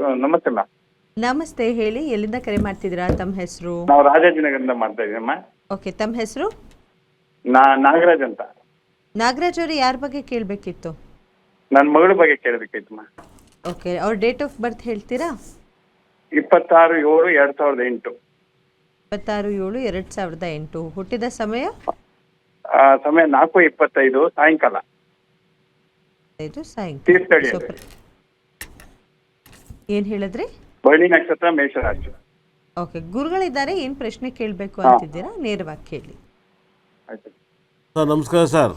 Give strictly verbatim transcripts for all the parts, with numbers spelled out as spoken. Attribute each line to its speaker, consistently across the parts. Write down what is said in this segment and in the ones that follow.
Speaker 1: ನಮಸ್ತೆ ಮ್ಯಾಮ್.
Speaker 2: ನಮಸ್ತೆ, ಹೇಳಿ ಎಲ್ಲಿಂದ ಕರೆ ಮಾಡ್ತಿದ್ದೀರಾ? ತಮ್ಮ ಹೆಸರು?
Speaker 1: ನಾವು ರಾಜಾಜಿನಗರದಿಂದ ಮಾಡ್ತಾ ಇದ್ದೀನಮ್ಮ.
Speaker 2: ಓಕೆ, ತಮ್ಮ ಹೆಸರು?
Speaker 1: ನಾ ನಾಗರಾಜ್ ಅಂತ.
Speaker 2: ನಾಗರಾಜ್ ಅವರು ಯಾರ ಬಗ್ಗೆ ಕೇಳಬೇಕಿತ್ತು?
Speaker 1: ನನ್ನ ಮಗಳ ಬಗ್ಗೆ ಕೇಳಬೇಕಿತ್ತಮ್ಮ.
Speaker 2: ಓಕೆ, ಅವ್ರ ಡೇಟ್ ಆಫ್ ಬರ್ತ್ ಹೇಳ್ತೀರಾ?
Speaker 1: ಇಪ್ಪತ್ತಾರು ಏಳು ಎರಡ್ ಸಾವಿರದ ಎಂಟು.
Speaker 2: ಇಪ್ಪತ್ತಾರು ಏಳು ಎರಡು ಸಾವಿರದ ಎಂಟು. ಹುಟ್ಟಿದ ಸಮಯ?
Speaker 1: ಆ, ಸಮಯ ನಾಲ್ಕು ಇಪ್ಪತ್ತೈದು ಸಾಯಂಕಾಲ.
Speaker 2: ಇದು ಸಾಯಂಕಾಲ.
Speaker 1: ತೀರ್ಥಹಳ್ಳಿ.
Speaker 2: ಸೂಪರ್. ಏನು ಹೇಳಿದ್ರಿ?
Speaker 1: ಬಳ್ಳಿ ನಕ್ಷತ್ರ ಮೇಷರಾಶಿ.
Speaker 2: ಓಕೆ, ಗುರುಗಳಿದ್ದಾರೆ, ಏನು ಪ್ರಶ್ನೆ ಕೇಳಬೇಕು ಅಂತಿದ್ದೀರಾ? ನೇರವಾಗಿ ಕೇಳಿ.
Speaker 1: ಆಯ್ತು
Speaker 3: ಸರ್ ನಮಸ್ಕಾರ. ಸರ್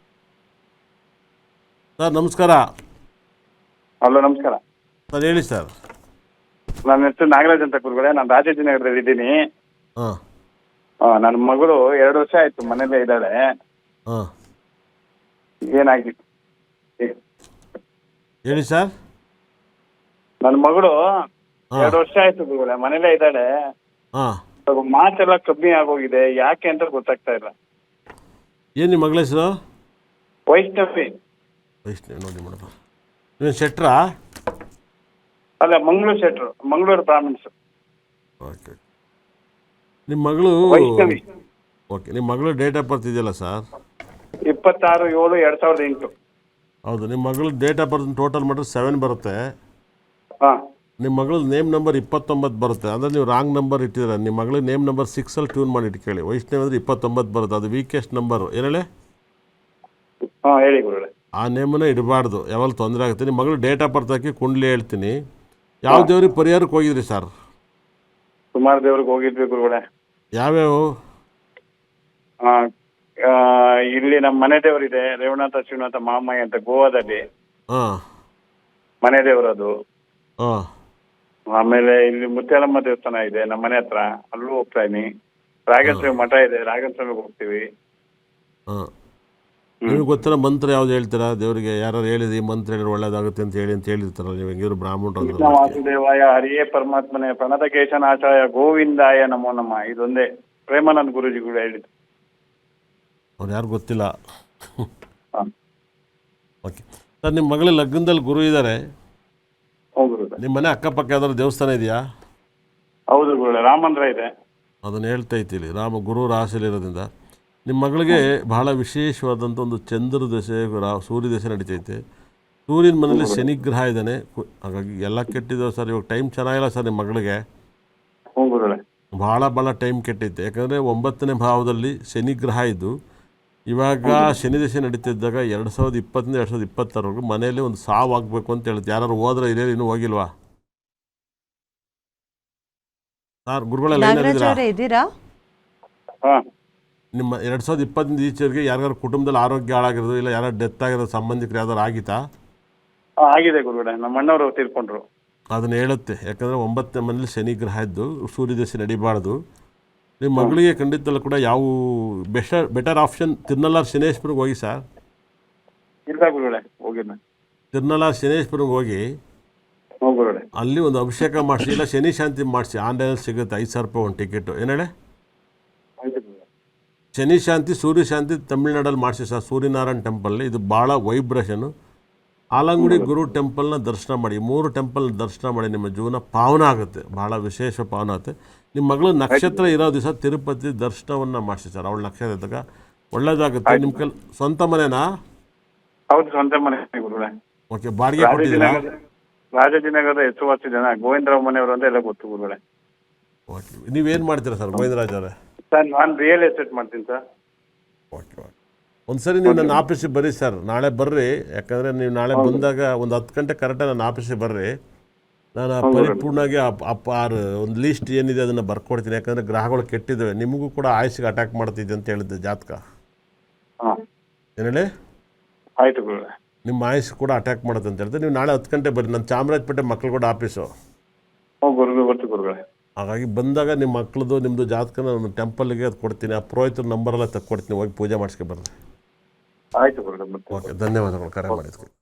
Speaker 3: ಸರ್ ನಮಸ್ಕಾರ.
Speaker 1: ಹಲೋ, ನಮಸ್ಕಾರ
Speaker 3: ಸರ್ ಹೇಳಿ ಸರ್.
Speaker 1: ನನ್ನ ಹೆಸರು ನಾಗರಾಜ್ ಅಂತ ಗುರುಗಳೇ. ನಾನು ರಾಜಾಜಿನಗರದಲ್ಲಿ ಇದ್ದೀನಿ.
Speaker 3: ಹಾಂ
Speaker 1: ನನ್ನ ಮಗಳು ಎರಡು ವರ್ಷ ಆಯ್ತು ಮನೇಲೇ ಇದ್ದಾಳೆ.
Speaker 3: ಹಾಂ
Speaker 1: ಏನಾಗಿತ್ತು
Speaker 3: ಹೇಳಿ ಸರ್.
Speaker 1: ನನ್ನ ಮಗಳು
Speaker 3: ಹಾ.
Speaker 1: ಎರಡು ವರ್ಷ ಆಯ್ತು ಗುರುಗಳೇ ಮನೇಲೇ ಇದ್ದಾಳೆ.
Speaker 3: ಹಾಂ
Speaker 1: ಸ್ವಲ್ಪ ಮಾತೆಲ್ಲ ಕಮ್ಮಿ ಆಗೋಗಿದೆ, ಯಾಕೆ ಅಂತ ಗೊತ್ತಾಗ್ತಾ ಇಲ್ಲ.
Speaker 3: ಏನು ನಿಮ್ಮ ಮಗಳ ಹೆಸರು?
Speaker 1: ವೈಷ್ಣವಿ.
Speaker 3: ವೈಷ್ಣವಿ. ನೋಡಿ ಮೇಡಮ್, ನೀವು ಶೆಟ್ರಾ?
Speaker 1: ಅಲ್ಲ, ಮಂಗಳೂರು ಶೆಟ್ರು, ಮಂಗಳೂರು ಬ್ರಾಹ್ಮಣ್ಸ್.
Speaker 3: ಓಕೆ. ನಿಮ್ಮ ಮಗಳು
Speaker 1: ವೈಷ್ಣವಿ.
Speaker 3: ಓಕೆ, ನಿಮ್ಮ ಮಗಳು ಡೇಟ್ ಆಫ್ ಬರ್ತ್ ಇದೆಯಲ್ಲ ಸರ್?
Speaker 1: ಇಪ್ಪತ್ತಾರು ಏಳು ಎರಡ್ ಸಾವಿರದ ಎಂಟು.
Speaker 3: ಹೌದು. ನಿಮ್ಮ ಮಗಳು ಡೇಟ್ ಆಫ್ ಬರ್ತ್ ಟೋಟಲ್ ಮಾಡಿದ್ರೆ ಸೆವೆನ್ ಬರುತ್ತೆ.
Speaker 1: ಹಾ
Speaker 3: ನಿಮ್ಮ ಮಗಳು ನೇಮ್ ನಂಬರ್ ಇಪ್ಪತ್ತೊಂಬತ್ತು ಬರುತ್ತೆ. ಅಂದರೆ ನೀವು ರಾಂಗ್ ನಂಬರ್ ಇಟ್ಟಿದ್ದೀರ. ನಿಮ್ಮ ಮಗಳು ನೇಮ್ ನಂಬರ್ ಸಿಕ್ಸಲ್ಲಿ ಟ್ಯೂನ್ ಮಾಡಿ ಇಟ್ಕೊಳ್ಳಿ. ವೈಷ್ಣವಿ ಅಂದರೆ ಇಪ್ಪತ್ತೊಂಬತ್ತು ಬರುತ್ತೆ, ಅದು ವೀಕೆಸ್ಟ್ ನಂಬರು. ಏನೇಳೆ?
Speaker 1: ಹಾ ಹೇಳಿ ಗುರುಗಳೇ.
Speaker 3: ಆ ನೇಮನ್ನು ಇಡಬಾರ್ದು, ಯಾವಾಗ ತೊಂದರೆ ಆಗುತ್ತೆ. ನಿಮ್ಮ ಮಗಳು ಡೇಟ್ ಆಫ್ ಬರ್ತ್ ಹಾಕಿ ಕುಂಡ್ಲಿ ಹೇಳ್ತೀನಿ. ಯಾವ ದೇವ್ರಿಗೆ ಪರಿಹಾರಕ್ಕೆ ಹೋಗಿದ್ರಿ ಸರ್?
Speaker 1: ಸುಮಾರು ದೇವ್ರಿಗೆ ಹೋಗಿದ್ವಿ ಗುರುಗಳೇ.
Speaker 3: ಯಾವ್ಯಾವ?
Speaker 1: ಆ, ಆ, ಇಲ್ಲಿ ನಮ್ಮ ಮನೆ ದೇವರಿದೆ, ರೇವಣಾಥ ಶಿವನಾಥ ಮಹಾಮಾಯಿ ಅಂತ ಗೋವಾದಲ್ಲಿ
Speaker 3: ಹಾಂ
Speaker 1: ಮನೆ ದೇವರದು.
Speaker 3: ಹಾಂ
Speaker 1: ಆಮೇಲೆ ಇಲ್ಲಿ ಮುತ್ಯಾಲಮ್ಮ ದೇವಸ್ಥಾನ ಇದೆ ನಮ್ಮ ಮನೆ ಹತ್ರ, ಅಲ್ಲೂ ಹೋಗ್ತಾ ಇದೀನಿ. ರಾಘವೇಂದ್ರ ಮಠ ಇದೆ, ರಾಘವೇಂದ್ರಗೆ ಹೋಗ್ತೀವಿ.
Speaker 3: ಹಾಂ ನಿಮಗೆ ಗೊತ್ತಿರೋ ಮಂತ್ರ ಯಾವ್ದು ಹೇಳ್ತೀರಾ ದೇವರಿಗೆ? ಯಾರು ಹೇಳಿದ್ರಿ ಮಂತ್ರ ಹೇಳಿದ್ರೆ ಒಳ್ಳೇದಾಗುತ್ತೆ ಅಂತ ಹೇಳಿ ಅಂತ ಹೇಳಿರ್ತಾರಲ್ಲ, ನೀವು ಹೆಂಗಿದ್ರು ಬ್ರಾಹ್ಮಣರು
Speaker 1: ಕೃಷ್ಣ
Speaker 3: ಅಂದ್ರೆ.
Speaker 1: ವಾಸುದೇವಾಯ ಹರಿಯೇ ಪರಮಾತ್ಮನೇ ಪ್ರಣತ ಕೇಶನಾಚಾರ್ಯ ಗೋವಿಂದಾಯ ನಮೋ ನಮಃ. ಇದೊಂದೇ ಪ್ರೇಮಾನಂದ ಗುರೂಜಿಗಳು ಹೇಳಿದ್ದು.
Speaker 3: ಅವ್ರು ಯಾರು ಗೊತ್ತಿಲ್ಲ.
Speaker 1: ಹಾ.
Speaker 3: ಓಕೆ ಸರ್, ನಿಮ್ಮ ಮಗಳ ಲಗ್ನದಲ್ಲಿ ಗುರು ಇದ್ದಾರೆ.
Speaker 1: ಹೌದು ಗುರುಗಳೇ.
Speaker 3: ನಿಮ್ಮ ಮನೆ ಅಕ್ಕಪಕ್ಕ ಯಾವ್ದಾದ್ರು ದೇವಸ್ಥಾನ ಇದೆಯಾ?
Speaker 1: ಹೌದು ಗುರುಗಳೇ, ರಾಮಂದ್ರ ಇದೆ.
Speaker 3: ಅದನ್ನು ಹೇಳ್ತಾ ಇದ್ದೀವಿ. ರಾಮ ಗುರು ರಾಶಿಯಲ್ಲಿರೋದ್ರಿಂದ ನಿಮ್ಮ ಮಗಳಿಗೆ ಬಹಳ ವಿಶೇಷವಾದಂಥ ಒಂದು ಚಂದ್ರ ದಶೆ, ರಾ ಸೂರ್ಯ ದಶೆ ನಡೀತೈತೆ. ಸೂರ್ಯನ ಮನೇಲಿ ಶನಿಗ್ರಹ ಇದ್ದಾನೆ. ಕು- ಹಾಗಾಗಿ ಎಲ್ಲ ಕೆಟ್ಟಿದ್ದಾವೆ ಸರ್. ಇವಾಗ ಟೈಮ್ ಚೆನ್ನಾಗಿಲ್ಲ ಸರ್ ನಿಮ್ಮ ಮಗಳಿಗೆ.
Speaker 1: ಹ್ಞೂ ಗುರುಗಳೇ.
Speaker 3: ಭಾಳ ಭಾಳ ಟೈಮ್ ಕೆಟ್ಟೈತೆ. ಯಾಕಂದರೆ ಒಂಬತ್ತನೇ ಭಾವದಲ್ಲಿ ಶನಿಗ್ರಹ ಇದ್ದು ಇವಾಗ ಶನಿ ದಶೆ ನಡೀತಿದ್ದಾಗ ಎರಡು ಸಾವಿರದ ಇಪ್ಪತ್ತರಿಂದ ಎರಡು ಸಾವಿರದ ಇಪ್ಪತ್ತರವರೆಗೂ ಮನೆಯಲ್ಲಿ ಒಂದು ಸಾವು ಆಗಬೇಕು ಅಂತ ಹೇಳುತ್ತೆ. ಯಾರು ಹೋದ್ರೆ ಇದೇ ಇನ್ನೂ ಹೋಗಿಲ್ವಾ ಸರ್? ಗುರುಗಳೆಲ್ಲ
Speaker 2: ನಾಗರಾಜ್ ಅವರೇ ಇದ್ದೀರಾ?
Speaker 1: ಹಾ
Speaker 3: ನಿಮ್ಮ ಎರಡು ಸಾವಿರದ ಇಪ್ಪತ್ತರಿಂದ ಈಚೆವರೆಗೆ ಯಾರ್ಯಾರು ಕುಟುಂಬದಲ್ಲಿ ಆರೋಗ್ಯ ಹಾಳಾಗಿರೋದು, ಇಲ್ಲ ಯಾರು ಡೆತ್ ಆಗಿರೋದು, ಸಂಬಂಧಿಕರು ಯಾವ್ದಾರು ಆಗಿತ್ತಾ?
Speaker 1: ಹಾ, ಆಗಿದೆ ಗುರುಗಳೇ. ನಮ್ಮ ಅಣ್ಣವರು ತೀರ್ಕೊಂಡ್ರು.
Speaker 3: ಅದನ್ನು ಹೇಳುತ್ತೆ. ಯಾಕಂದರೆ ಒಂಬತ್ತನೇ ಮನೇಲಿ ಶನಿಗ್ರಹ ಇದ್ದು ಸೂರ್ಯ ದಶೆ ನಡಿಬಾರ್ದು. ನಿಮ್ಮ ಮಗಳಿಗೆ ಖಂಡಿತಲ್ಲೂ ಕೂಡ ಯಾವ ಬೆಟರ್ ಬೆಟರ್ ಆಪ್ಷನ್ ತಿರುನಲ್ಲಾರ್ ಶನೇಶ್ವರಿಗೆ ಹೋಗಿ ಸರ್.
Speaker 1: ಇಲ್ಲ ಗುರುಗಳೇ, ಹೋಗಿಲ್ಲ.
Speaker 3: ತಿರುನಲ್ಲಾರ್ ಶನೇಶ್ವರಿಗೆ ಹೋಗಿ
Speaker 1: ಹ್ಞೂ ಗುರುಗಳೇ.
Speaker 3: ಅಲ್ಲಿ ಒಂದು ಅಭಿಷೇಕ ಮಾಡಿಸಿ, ಇಲ್ಲ ಶನಿ ಶಾಂತಿ ಮಾಡಿಸಿ. ಆನ್ಲೈನಲ್ಲಿ ಸಿಗುತ್ತೆ, ಐದು ಸಾವಿರ ರೂಪಾಯಿ ಒಂದು ಟಿಕೆಟು. ಏನೇಳೆ?
Speaker 1: ಆಯ್ತು ಗುರುಗಳೇ.
Speaker 3: ಶನಿ ಶಾಂತಿ ಸೂರ್ಯ ಶಾಂತಿ ತಮಿಳ್ನಾಡಲ್ಲಿ ಮಾಡಿಸಿ ಸರ್, ಸೂರ್ಯನಾರಾಯಣ ಟೆಂಪಲ್. ಇದು ಭಾಳ ವೈಬ್ರೇಷನು. ಆಲಂಗುಡಿ ಗುರು ಟೆಂಪಲ್ನ ದರ್ಶನ ಮಾಡಿ, ಮೂರು ಟೆಂಪಲ್ ದರ್ಶನ ಮಾಡಿ, ನಿಮ್ಮ ಜೀವನ ಪಾವನ ಆಗುತ್ತೆ, ಭಾಳ ವಿಶೇಷ ಪಾವನ ಆಗುತ್ತೆ. ನಿಮ್ಮ ಮಗಳು ನಕ್ಷತ್ರ ಇರೋ ದಿವಸ ತಿರುಪತಿ ದರ್ಶನವನ್ನು ಮಾಡಿಸಿ ಸರ್. ಅವಳ ನಕ್ಷತ್ರ ಇದ್ದಾಗ ಒಳ್ಳೇದಾಗುತ್ತೆ. ನಿಮ್ಮ ಕೈಲಿ ಸ್ವಂತ ಮನೆನಾ?
Speaker 1: ಹೌದು, ಸ್ವಂತ ಮನೆ ಗುರುಗಳೇ.
Speaker 3: ಓಕೆ. ಬಾಡಿಗೆ ಕೊಟ್ಟಿದ್ದೀರಾ?
Speaker 1: ರಾಜಾಜಿನಗರ ರಾಜಾಜಿನಗರದ ಹೆಸರುವಾಸಿ ಜನ ಗೋವಿಂದರಾವ್ ಮನೆಯವರು ಅಂತ ಎಲ್ಲ ಗೊತ್ತು ಗುರುಗಳೇ.
Speaker 3: ಓಕೆ. ನೀವೇನು ಮಾಡ್ತೀರಾ ಸರ್ ಗೋವಿಂದರಾಜ್ ಅವರೇ?
Speaker 1: ಸರ್, ನಾನು ರಿಯಲ್ ಎಸ್ಟೇಟ್ ಮಾಡ್ತೀನಿ ಸರ್.
Speaker 3: Okay okay. ಒಂದು ಸರಿ ನೀವು ನನ್ನ ಆಫೀಸಿಗೆ ಬರ್ರಿ ಸರ್, ನಾಳೆ ಬರ್ರಿ. ಯಾಕಂದರೆ ನೀವು ನಾಳೆ ಬಂದಾಗ ಒಂದು ಹತ್ತು ಗಂಟೆ ಕರೆಕ್ಟಾಗಿ ನನ್ನ ಆಫೀಸಿಗೆ ಬರ್ರಿ. ನಾನು ಪರಿಪೂರ್ಣವಾಗಿ ಅಪ್ಪ ಆರು ಒಂದು ಲೀಸ್ಟ್ ಏನಿದೆ ಅದನ್ನು ಬರ್ಕೊಡ್ತೀನಿ. ಯಾಕಂದರೆ ಗ್ರಹಗಳು ಕೆಟ್ಟಿದ್ದಾವೆ, ನಿಮಗೂ ಕೂಡ ಆಯುಷ್ಗೆ ಅಟ್ಯಾಕ್ ಮಾಡ್ತಿದ್ದೆ ಅಂತ ಹೇಳಿದ್ದೆ ಜಾತಕ.
Speaker 1: ಹಾಂ
Speaker 3: ಏನು ಹೇಳಿ?
Speaker 1: ಆಯಿತು ಗುರುಗಳೇ.
Speaker 3: ನಿಮ್ಮ ಆಯುಷ್ ಕೂಡ ಅಟ್ಯಾಕ್ ಮಾಡುತ್ತೆ ಅಂತ ಹೇಳ್ತಾರೆ. ನೀವು ನಾಳೆ ಹತ್ತು ಗಂಟೆ ಬರ್ರಿ, ನನ್ನ ಚಾಮರಾಜಪೇಟೆ ಮಕ್ಕಳುಗೂಡ ಆಫೀಸು.
Speaker 1: ಹ್ಞೂ ಗುರುಗಳು, ಗೊತ್ತು ಗುರುಗಳೇ.
Speaker 3: ಹಾಗಾಗಿ ಬಂದಾಗ ನಿಮ್ಮ ಮಕ್ಕಳದು ನಿಮ್ಮದು ಜಾತಕನ ನಾನು ಟೆಂಪಲ್ಗೆ ಅದು ಕೊಡ್ತೀನಿ. ಆ ಪುರೋಹಿತರ ನಂಬರೆಲ್ಲ ತಕ್ಕೊಡ್ತೀನಿ, ಹೋಗಿ ಪೂಜೆ ಮಾಡಿಸ್ಕೊ ಬರ್ರಿ.
Speaker 1: ಆಯಿತು ಗುರುಗಳೇ.
Speaker 3: ಓಕೆ, ಧನ್ಯವಾದಗಳು ಕರೆ ಮಾಡಿದ್ವಿ.